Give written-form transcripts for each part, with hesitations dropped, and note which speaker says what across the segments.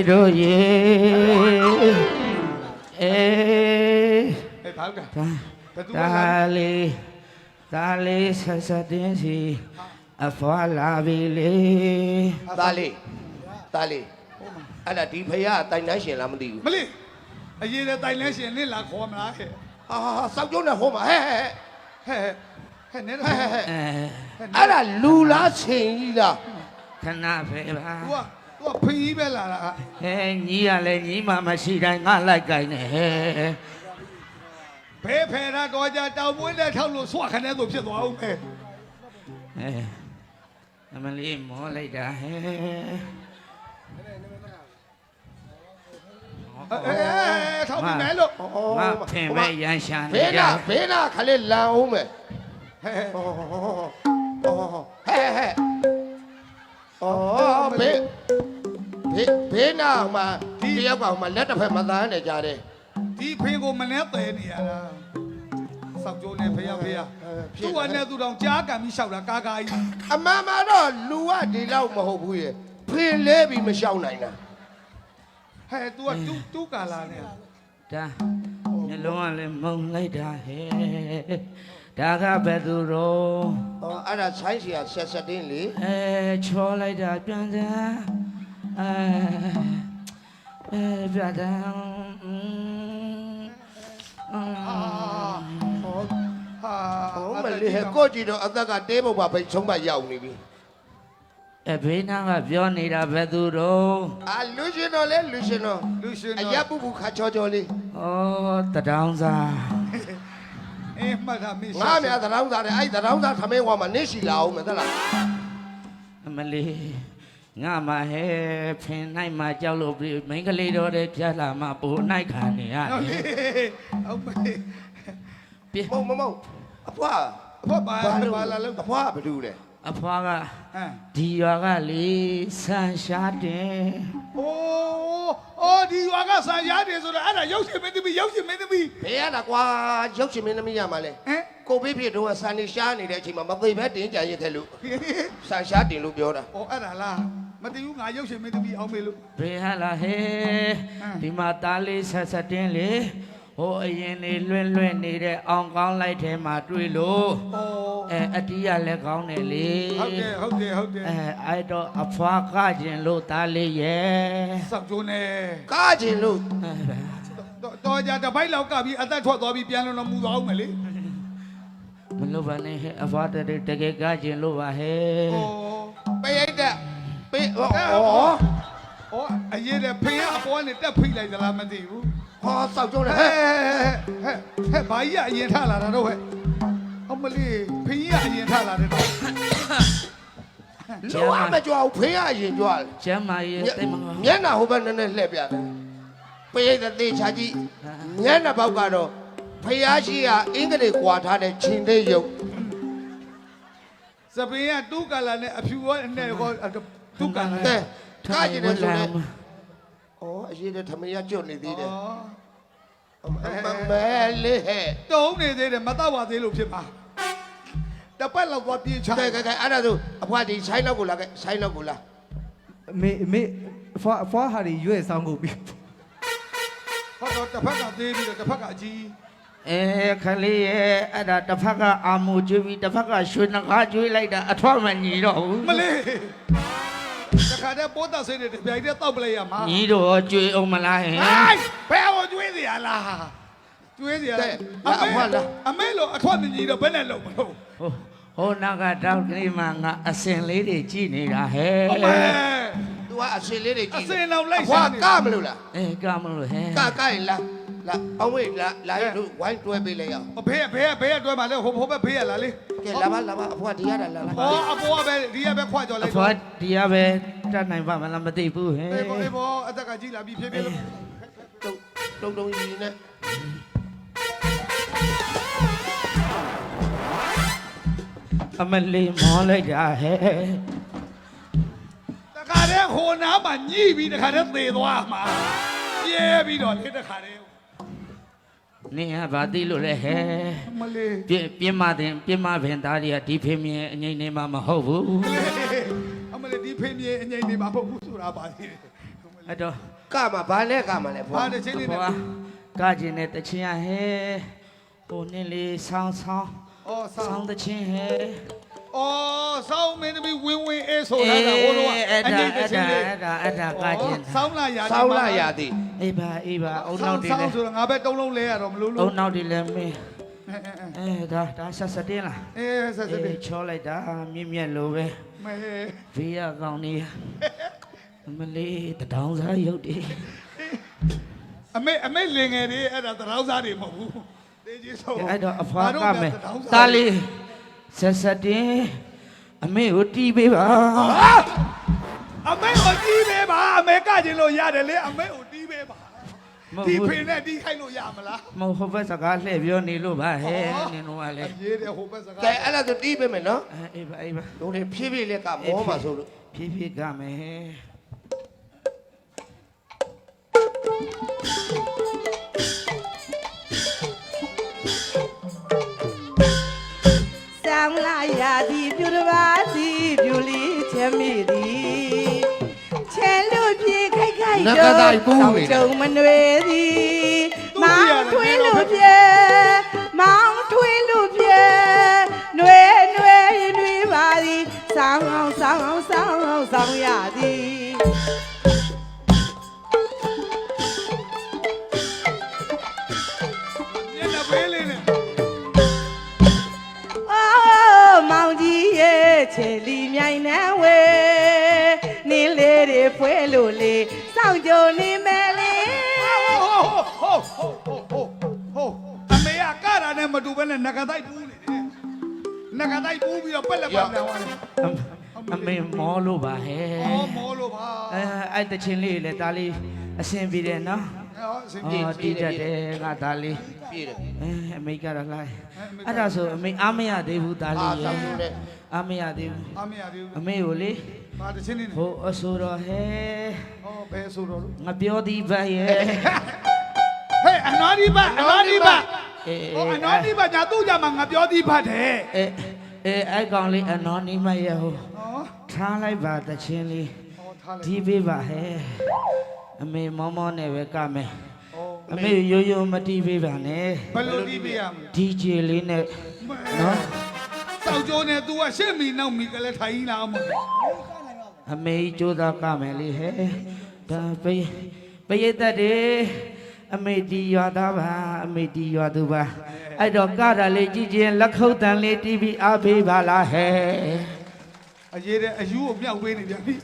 Speaker 1: တို့ရေ
Speaker 2: ဘာကဘသူက
Speaker 1: ဒါလေးဆက်ဆက်တင်းစီအဖွာလာပြီလေ
Speaker 3: သားလေးအဲ့ဒါဒီဖရာတိုင်တန်းရှင်လားမသိဘူး
Speaker 2: မလေးအရေးတဲ့တိုင်လဲရှင်နင့်လာခေါ်မလားဟဲ့
Speaker 3: ဟာစောက်ကျုံးနဲ့ဟိုမှာဟဲ့
Speaker 2: နဲ
Speaker 3: အဲ့ဒါလူလားချင်းကြီးလား
Speaker 1: ခဏပဲပါ
Speaker 2: သူကဖင်ကြီးပဲလာတာ
Speaker 1: ညီရလဲညီမမရှိတိုင်းငါလိုက်ကြိုင်နေဟဲ့
Speaker 2: ဘဲဖယ်တာတော့ကြတောင်ပွင့်တဲ့ထောက်လို့ဆွခနဲ့ဆိုဖြစ်သွားအောင်ပဲ
Speaker 1: အမလေးမောလိုက်တာဟဲ့
Speaker 2: ထောက်ပြီးမယ်လို့
Speaker 1: ငါဖင်ပဲရန်ရှာနေ
Speaker 3: ဘေးနာခလေးလန်အောင်မယ်ဟဲဘေးနာမှာဒီတယောက်ကမှလက်တစ်ဖက်မသားနဲ့ကြားတယ်
Speaker 2: ဒီဖင်ကိုမနှဲတယ်နေရတာစောက်ကျိုးနဲ့ဖះသူ့ကနဲ့သူတောင်ကြားကန်ပြီးလျှောက်တာကာကြီး
Speaker 3: အမှန်မှတော့လူကဒီလောက်မဟုတ်ဘူးရဲ့ဖင်လဲပြီးမလျှောက်နိုင်တာ
Speaker 2: ဟဲ့ तू ကတူးကာလာနဲ့
Speaker 1: ဒါမျိုးလုံးကလည်းမုံလိုက်တာဟဲ့ဒါကဘယ်သူတော့
Speaker 3: အဲ့ဒါဆိုင်းစီကဆက်ဆက်တင်းလေ
Speaker 1: ချောလိုက်တာပြန်စမ်းပြန်စမ်း
Speaker 3: မလေးကိုကြည့်တော့အသက်ကတဲပုတ်ပါပဲဆုံးမရောက်နေပြီ
Speaker 1: ဘေးနာကပြောနေတာဘယ်သူတော့
Speaker 3: လူရှင်တော်လေလူရှင်တော်အရပူပူခါချောချောလေး
Speaker 1: တဒေါင်းစား
Speaker 2: မှတ်တာမေး
Speaker 3: ငါများသတောင်းသားတယ်အဲ့သတောင်းသားထမင်းဝါမှာနေရှိလာအောင်မသလား
Speaker 1: အမလေးငါမဟဲဖင်နိုင်မှာကြောက်လို့မိန်းကလေးတော်တဲ့ပြတ်လာမှပိုနိုင်ခံနေရတယ်
Speaker 2: ဟုတ်ပါ
Speaker 3: မုံအဖွား
Speaker 2: ဘာလာလို့
Speaker 3: အဖွားဘယ်သူလဲ
Speaker 1: အဖွားကဒီရွာကလေဆန်ရှားတယ်
Speaker 2: အိုးဒီရွာကဆန်ရတယ်ဆိုတာအဲ့ဒါရုပ်ရှင်မင်းသမီး
Speaker 3: ဘယ်ရတာကွာရုပ်ရှင်မင်းသမီးရမှာလဲကိုဘေးဖြစ်တော့ဆန်နေရှားနေတဲ့အချိန်မှာမသိပဲတင်းကြရခဲ့လို့ဆန်ရှားတင်လို့ပြောတာ
Speaker 2: အဲ့ဒါလားမသိဘူးငါရုပ်ရှင်မင်းသမီးအောင်မေလို့
Speaker 1: ဘယ်ဟာလာဟဲဒီမှာသားလေးဆက်ဆက်တင်းလေဟိုအရင်နေလွင့်နေတဲ့အောင်ကောင်းလိုက်ထဲမှာတွေ့လို့အတီးရလည်းကောင်းတယ်လေ
Speaker 2: ဟုတ်တယ်
Speaker 1: အဲ့တော့အဖွားကကျင်လို့သားလေးရဲ့
Speaker 2: စောက်ကျိုးနေ
Speaker 3: ကားကျင်လို့
Speaker 2: တော်ကြတပိုက်လောက်ကပြီးအသက်ထွက်သွားပြီးပြန်လို့မူသွားအောင်မလေ
Speaker 1: မလို့ပါနဲ့ဟဲ့အဖွားတကယ်ကကျင်လို့ပါဟဲ့
Speaker 3: ပေးရိုက်တဲ့ပေး
Speaker 2: အရေးတဲ့ဖင်ကအပေါ်ကနေတက်ဖိလိုက်သလားမသိဘူး
Speaker 3: ဟောစောက်ကျုံးတယ်
Speaker 2: ဟဲ့ဘာကြီးကအရင်ထလာတာတော့ဟဲ့အမလေးဖင်ကြီးကအရင်ထလာတယ်တော့
Speaker 3: လောကမကြွားဘူးဖေးရရင်ကြွား
Speaker 1: ကျမ်းမာရေးတိတ်မကော
Speaker 3: မျက်နှာဟိုဘက်နည်းနည်းလှည့်ပြတယ်ပေးရိုက်တဲ့သေချာကြီးမျက်နှာပေါက်ကတော့ဖျားရှိကအင်္ဂလိပ်ကွာထားတဲ့ချင်းသေးရုပ်
Speaker 2: စပင်းကတူးကလာနဲ့အဖြူရောနဲ့ကောတူးကလာ
Speaker 3: တဲ့ကားကျင်တယ်ဆိုတော့အရေးတဲ့ထမရကျွတ်နေသေးတယ်မဲလေးဟဲ့
Speaker 2: တုံးနေသေးတယ်မတော့ပါသေးလို့ဖြစ်ပါတပတ်လောက်သွားပြေးချ
Speaker 3: ကဲအဲ့ဒါဆိုအဖွားဒီဆိုင်လောက်ကိုလာခဲ့ဆိုင်လောက်ကိုလာ
Speaker 4: မေဖွာဟာရီရွေးဆောင်ကုန်ပြီ
Speaker 2: ဟောတော့တစ်ဖက်ကသေးပြီးတော့တစ်ဖက်ကအကြီး
Speaker 1: ခလေးရဲ့အဲ့ဒါတစ်ဖက်ကအာမူကျွေးပြီးတစ်ဖက်ကရွှေနှကားကျွေးလိုက်တာအထွတ်မညီတော့ဘူး
Speaker 2: မလေးတခါတည်းပိုးသက်စိတ်တွေပြိုင်တဲ့တောက်ပလိုက်ရမှာ
Speaker 1: ညီတို့ကျွေးအောင်မလားဟဲ့
Speaker 2: ဘယ်ဟိုကျွေးစီရလားကျွေးစီရအမေလို့အထွတ်မကြီးတော့ဘယ်နဲ့လုံးမလို့
Speaker 1: ဟိုနောက်ကတောက်ကလေးမှငါအစင်လေးတွေကြည့်နေတာဟဲ့
Speaker 2: အမေ
Speaker 3: သူကအစင်လေးတွေကြည့်
Speaker 2: အစင်တော့လိုက်
Speaker 3: အဖွားကမလို့လား
Speaker 1: ကမလို့ဟဲ့
Speaker 3: ကရင်လားအောင်ဝေးလာရလို့ဝိုင်းတွဲပေးလိုက်ရအောင်
Speaker 2: ဘေးတွဲမှာလဲဟိုဘက်ဘေးရလားလေ
Speaker 3: ကဲလာပါအဖွားဒီရတာလာ
Speaker 2: ဟောအပေါ်ကပဲဒီကပဲခွာကြော်လိုက်
Speaker 1: အဖွားဒီကပဲတတ်နိုင်ပါမလားမသိဘူးဟဲ့
Speaker 2: အေးဘောအသက်ကကြီးလာပြီးဖြည်းဖြည်းလို့
Speaker 3: တုံကြီးနဲ့
Speaker 1: အမလေးမောလိုက်တာဟဲ့
Speaker 2: တခါတည်းဟိုနားမှာညှိပြီးတခါတည်းသေသွားမှာပြဲပြီးတော့လေတခါတည်း
Speaker 1: နင်ကဘာသိလို့လဲဟဲ့
Speaker 2: မလေး
Speaker 1: ပြင်းမပင်သားတွေကဒီဖေမြင်အငိမ့်နေမှာမဟုတ်ဘူး
Speaker 2: အမလေးဒီဖေးမြေအငိမ့်နေမှာမဟုတ်ဘူးဆိုတာပါသေးတယ်
Speaker 1: အဲ့တော့
Speaker 3: ကမှာဘာနဲ့ကမှာလဲဖွာ
Speaker 2: ဘာတချင်းလေးနဲ့
Speaker 1: ဟိုကကြင်တဲ့တချင်းရဟဲဟိုနင်းလေးဆောင်းဆောင်း
Speaker 2: ဩဆော
Speaker 1: ဆော
Speaker 2: င်း
Speaker 1: င်းတချင်းဟဲ
Speaker 2: ဩဆောင်းမင်းသမီးဝင်းဝင်းအေးဆိုတာဟိုတော့
Speaker 1: အဲ့
Speaker 2: အ
Speaker 1: ဒါ
Speaker 2: ငိမ့်တ
Speaker 1: အဲ့
Speaker 2: ချင်း
Speaker 1: ဒါ
Speaker 2: လေး
Speaker 1: အဲ့ဒါကကြင်
Speaker 2: ဆောင်းလာရာ
Speaker 3: စောင်းလာရသည်
Speaker 1: အေးပါအုံ
Speaker 2: ဆော
Speaker 1: နောက်
Speaker 2: င်း
Speaker 1: တွေ
Speaker 2: ဆော
Speaker 1: လဲ
Speaker 2: င်းဆိုတော့ငါပဲတုံးလုံးလဲရတော့မလို့
Speaker 1: အုံ
Speaker 2: လို့
Speaker 1: နောက်တွေလဲမင်း
Speaker 2: အဲ
Speaker 1: ဒါဆက်စတင်းလား
Speaker 2: ဆက်စစ်
Speaker 1: အေးချောလိုက်တာမြင့်လိုပဲ
Speaker 2: မဲ
Speaker 1: ဘေးရကောင်နေမလေးတထောင်စားရုပ်တွေ
Speaker 2: အမေလင်ငယ်တွေအဲ့ဒါတရောင်းစားတွေမဟုတ်ဘူးတေးကြီးဆုံး
Speaker 1: အဲ့တော့အဖွားကမယ်တားလေးဆက်စတင်းအမေကိုတီးပေးပါ
Speaker 2: အမေကိုတီးပေးပါအမေကကျင်လို့ရတယ်လေအမေကိုတီးပေးပါ
Speaker 1: မ
Speaker 2: တီး
Speaker 1: ဟုတ်
Speaker 2: ဖေနဲ့တီးခိုင်းလို့ရမလား
Speaker 1: မဟုတ်ဟိုဘက်စကားလှည့်ပြောနေလို့ပါဟဲ့နင်တို့ကလေ
Speaker 2: ရေးတယ်ဟိုဘက်စကား
Speaker 3: ကဲအဲ့ဒါဆိုတီးပေးမယ်နော်
Speaker 1: အေးပါ
Speaker 3: တို့တွေဖြည်းဖြည်းလေးကမောမှာဆိုလို့
Speaker 1: ဖြည်းဖြည်းကမယ်ဟဲ့
Speaker 5: ဆောင်းလာရသည်ပြူတပါးသည်ပြူလီချမ်းမိသည်ချဲလို့ပြေခိုက်ခိုက်ကြုံမနွေသည်မောင်ထွေးလို့ပြေမောင်ထွေးလို့ပြေနွေနွေနွေပါသည်ဆောင်းအောင်ဆောင်းအောင်ဆောင်းအောင်ဆောင်းရသည်
Speaker 2: ညနေပေးလေးနဲ့
Speaker 5: အိုးမောင်ကြီးရဲ့ချေလီမြိုင်နှံဝေနင်းလေးတွေဖွဲလို့လေစောင့်ကြုံနေမယ်လေ
Speaker 2: ဟုတ်အမေကကတာနဲ့မတူဘဲနဲ့ငကတိုက်ပူးနေတယ်ငကတိုက်ပူးပြီးတော့ပက်လက်ပတ်ပြန်သွားတယ်
Speaker 1: အမေမောလို့ပါဟဲ့
Speaker 2: အော်မောလို့ပါ
Speaker 1: အဲ့တချင်းလေးလေဒါလေးအဆင်ပြေတယ်နော်
Speaker 2: ဟောအစင်ပြေ
Speaker 1: တီးတတ်တယ်ငါဒါလေး
Speaker 3: ပြည့်တယ်
Speaker 1: အမေကတော့လိုက်အဲ့ဒါဆိုအမေအားမရသေးဘူးဒါလေး
Speaker 3: ဆောင်းနဲ့
Speaker 1: အားမရသေးဘူး
Speaker 2: အမေရသေး
Speaker 1: အမေကိုလေ
Speaker 2: ဘာတချင်းနေ
Speaker 1: ဟိုအဆိုတော်ဟဲ့
Speaker 2: ဟောဘယ်ဆိုတော့
Speaker 1: ငါပြောသည်ပါရဲ့
Speaker 2: ဟဲ့အနာဒီပါအနာဒီပါ
Speaker 1: အေး
Speaker 2: ဟောအနာဒီပါညာသူ့ကြမှာငါပြောသည်ဖတ်တယ်
Speaker 1: အဲ့ကောင်လေးအနော်နီမရဲ့ဟို
Speaker 2: ဟော
Speaker 1: ထားလိုက်ပါတချင်းလေး
Speaker 2: ဟောထားလိုက်
Speaker 1: ဒီပေးပါဟဲ့အမေမောမောနဲ့ပဲကမယ်
Speaker 2: ဟော
Speaker 1: အမေရိုးရိုးမတီးပေးပါနဲ့
Speaker 2: ဘယ်လိုတီးပေးရမလဲ
Speaker 1: DJ လေးနဲ့နော်
Speaker 2: စောက်ကျိုးနဲ့ तू ကရှစ်မီနောက်မီကလေးထိုင်လာအောင်မလဲ
Speaker 1: အမေကြိုးစားကမယ်လေဟဲ့ဒါပရိသတ်တွေအမေတီရွာသားပါအမေတီရွာသူပါအဲ့တော့ကတာလေးကြည်ချင်းလက်ခုပ်တန်လေးတီးပြီးအားပေးပါလားဟဲ့
Speaker 2: အရေးတဲ့အယူကိုမြောက်ပေးနေပြန်ပြီ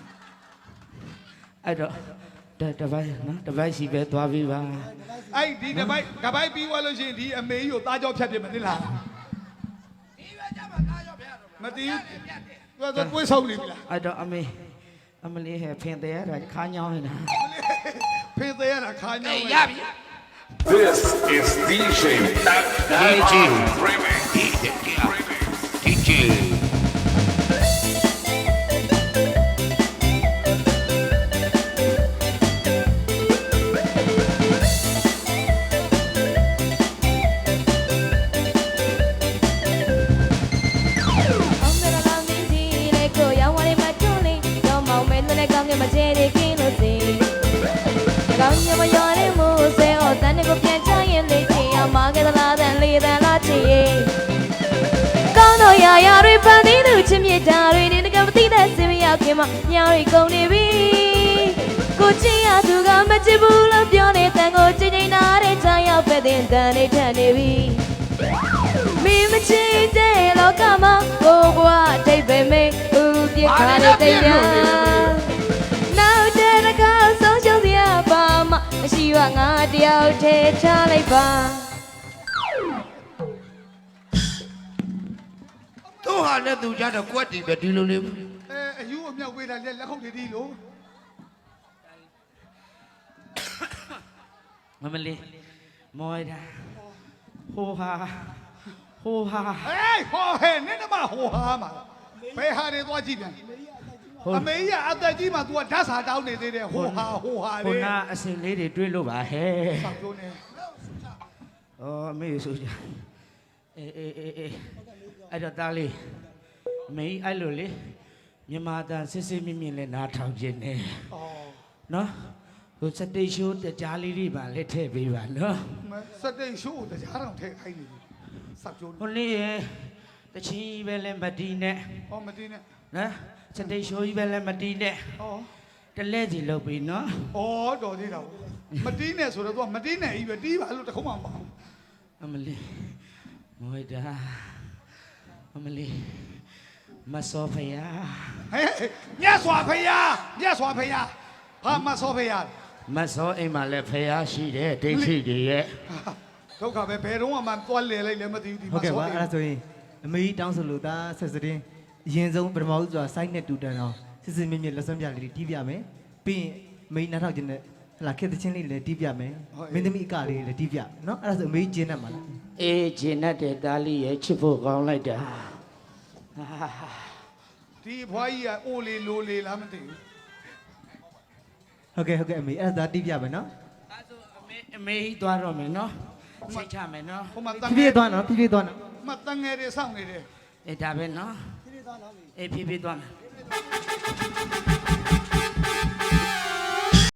Speaker 1: အဲ့တော့တပိုင်းနော်တပိုင်းစီပဲသွားပြီးပါ
Speaker 2: အဲ့ဒီတပိုက်ပြီးသွားလို့ရှိရင်ဒီအမေကြီးကိုသားကြောဖြတ်ပြမသိလားမသိဘူးသူကကိုယ်ဆုံးနေပြီလား
Speaker 1: အဲ့တော့အမလေးဟဲ့ဖင်တယ်ရတာခါညောင်းနေတာ
Speaker 2: ဖေးသေးရတာခါညောင်း
Speaker 3: ရပြီ
Speaker 6: This is DJ That
Speaker 3: DJ
Speaker 6: Remix.
Speaker 3: DJ
Speaker 7: အောင်မလာမင်းကြီးလေကိုရောက်ဝင်မတွန်းလေးတော့မောင်မဲနဲ့ကောင်းကင်မကျဲနေကင်းလို့စီကောင်းညမရော်နေမှုဆဲဟောတန်းကိုပြန်ချရင်လေချင်ရမှာကလားတန်လေးတန်လားချင်ကောင်းတော့ရာရာတွေပန်းသေးသူချစ်မြတ်တာတွေနေကမသိတဲ့စင်မရောက်ခင်မှာညောင်ရီကုန်နေပြီကိုချင်ရသူကမချစ်ဘူးလို့ပြောနေတန်ကိုချင်ချင်နာတဲ့ချာရောက်ပဲတဲ့တန်နေထန်နေပြီမင်းမချင်တဲ့လောကမှာကိုဘွားအတိတ်ပဲမေးဦးပြခါတဲ့တိတ်ရနောက်တဲ့ကောက်ဆုံးရှုံးစရာပါမမရှိဝငါတယောက်တည်းထားလိုက်ပါ
Speaker 3: သူ့ဟာနဲ့သူကြတော့ကွက်တီပဲဒီလိုလေး
Speaker 2: အယူကိုမြောက်ပေးတာလက်ခုပ်တွေဒီလို
Speaker 1: မလေးမောရတာဟိုဟာ
Speaker 2: ဟေးဟောဟဲ့နင်းနမဟိုဟာမှာဘယ်ဟာတွေသွားကြည့်ပြန်အမေကြီးကအသက်ကြီးမှ तू ကဓာတ်စာတောင်းနေသေးတယ်ဟိုဟာလေ
Speaker 1: ဟိုနာအစင်လေးတွေတွေးလို့ပါဟဲ့
Speaker 2: စောက်ကျိုးနေ
Speaker 1: အော်အမေဆိုကြအေးအဲ့တော့တားလေးအမေအဲ့လိုလေမြန်မာတန်စစ်စစ်မြင့်မြင့်လဲနားထောင်ခြင်းနဲ့နော်ဟိုစတေးရှိုးတကြားလေးတွေပါလက်ထည့်ပေးပါနော်
Speaker 2: စက်တိတ်ရှိုးတရားတော်ထဲခိုင်းနေတယ်စောက်ကျိုး
Speaker 1: ဟိုလေးရတချီပဲလဲမတီးနဲ့
Speaker 2: ဟောမတင်းနဲ့
Speaker 1: နော်စတေးရှိုးကြီးပဲလဲမတီးနဲ့
Speaker 2: ဟော
Speaker 1: တလဲစီလုပ်ပြီးနော်
Speaker 2: ဩတော်သေးတာမတင်းနဲ့ဆိုတော့ तू မတင်းနဲ့ကြီးပဲတီးပါလို့တခုမှမပေါ့
Speaker 1: အမလီမွေတာအမလီမစောဖယား
Speaker 2: ဟဲ့မြတ်စွာဘုရားဟာမဆောဖေးရ
Speaker 1: မစောအိမ်မှာလည်းဖယားရှိတယ်ဒိဋ္ဌိတွေရဲ့
Speaker 2: ဒုက္ခပဲဘယ်တော့မှသွားလဲလိုက်လည်းမသိဘူးဒီ
Speaker 4: ဟုတ်
Speaker 2: မှာ
Speaker 4: ကဲ့
Speaker 2: ဆော
Speaker 4: ပါ
Speaker 2: ဖေး
Speaker 4: အဲ့ဒါဆိုရင်အမေကြီးတောင်းဆိုလို့ဒါဆက်စတင်းအရင်ဆုံးပထမဦးဆိုတာစိုက်နဲ့တူတန်အောင်စစ်စစ်မြင့်မြင့်လက်စွမ်းပြလေးတီးပြမယ်ပြီးရင်အမေကြီးနားထောက်ခြင်းနဲ့ဟလာခက်တဲ့ချင်းလေးလည်းတီးပြမယ်မင်းသမီးအကလေးလည်းတီးပြနော်အဲ့ဒါဆိုအမေကြီးကျင်းတတ်မှာလား
Speaker 1: အေးဂျင်းနဲ့တဲ့သားလေးရဲ့ချစ်ဖို့ကောင်းလိုက်တာ
Speaker 2: ဒီဘွားကြီးကအိုလေလိုလေလားမသိဘူး
Speaker 4: ဟုတ်ကဲ့အမေအဲ့ဒါတီးပြမယ်နော်
Speaker 1: အဲဆိုအမေကြီးသွားတော့မယ်နော်စိတ်ချမယ်နော်
Speaker 2: ဟိုမှာတန်
Speaker 4: ဖြည်းဖြည်းသွားနော်ဖြည်းဖြည်းသွားနော်
Speaker 2: မတန်ငယ်တွေစောင့်နေတယ်
Speaker 1: အေးဒါပဲနော်ဖြည်းဖြည်းသွားနော်အေးဖြည်းဖြည်းသွားမယ်